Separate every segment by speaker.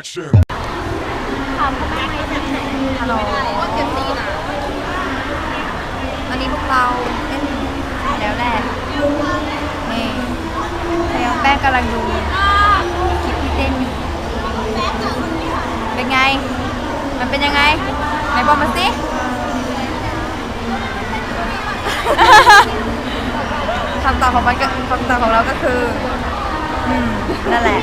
Speaker 1: Action.
Speaker 2: ฮัลโหลตอนนี้พวกเราเล่นแล้วแหละนี่พยายามแป้งกำลังดูคลิปที่เต้นอยู่เป็นไงมันเป็นยังไงไหนบอกมาสิคำตอบของมันก็คำตอบของเราก็คือนั่นแหละ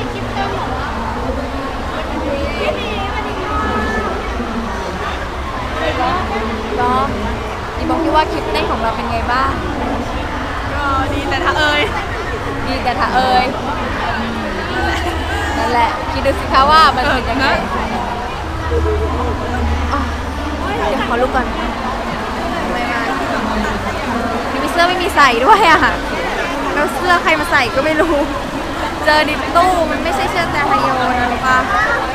Speaker 2: ก็อีบอกที่ว่าคลิปเต้นของเราเป็นไงบ้าง
Speaker 3: ก็ดีแต่ถ้าเอ่ย
Speaker 2: ดีแต่ถ้าเอ่ยนั่นแหละคิดดูสิคะว่ามันเป็นยังไงเดี๋ยวขอลุกก่อนไม่มามีเสื้อไม่มีใส่ด้วยอ่ะแล้วเสื้อใครมาใส่ก็ไม่รู้เจอดิตู้มันไม่ใช่เสื้อแต่ไฮโยนะรู้ป่ะ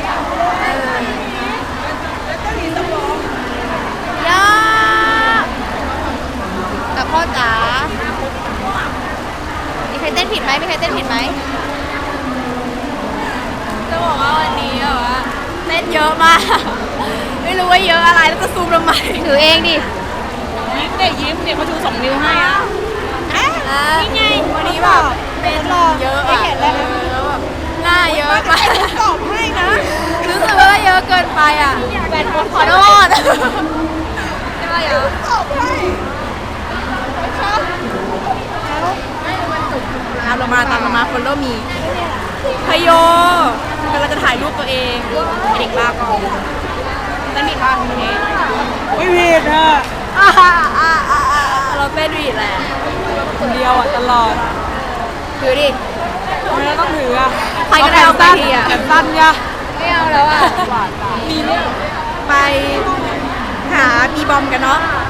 Speaker 2: ย่าแต่พ่อจ๋ามีใครเต้นผิดไหมมีใครเต้นผิดไหม
Speaker 3: จะบอกว่าวันนี้แบบว่าเต้นเยอะมากไม่รู้ว่าเยอะอะไรแล้วจะซูมทำไม
Speaker 2: ถือเองดิ
Speaker 3: ยิ้มเด็กยิ้มเด็กเขาชู2 นิ้วให้อ่ะนี่ไงวันนี้แบบ
Speaker 2: เต้นรอ
Speaker 3: เยอะอ่ะแล้วแบบหน้าเยอะมากตอบให้นะ
Speaker 2: รู้สึกว่าเยอะเกินไปอ่ะแฟนคนขอโทษใช่ไหมเยอะตอบให้
Speaker 3: ตามเรามาคนเริ่มมีพยโยกำลังจะถ่ายรูปตัวเองเด็กบ้าก่อนเต้นผิดป่ะไม่ผิดอ่ะเราเต้นผิดแหละคนเดียวอ่ะตลอด
Speaker 2: ถือดิ
Speaker 3: ไม่ต้องถืออ่ะ
Speaker 2: ใครก็ได้เอาไปทีอ่ะ
Speaker 3: แขนสั้นเนี่ย
Speaker 2: ไม่เอาแล้วอ่ะ
Speaker 3: มีเนี่ยไปหาบีบอมกันเนาะ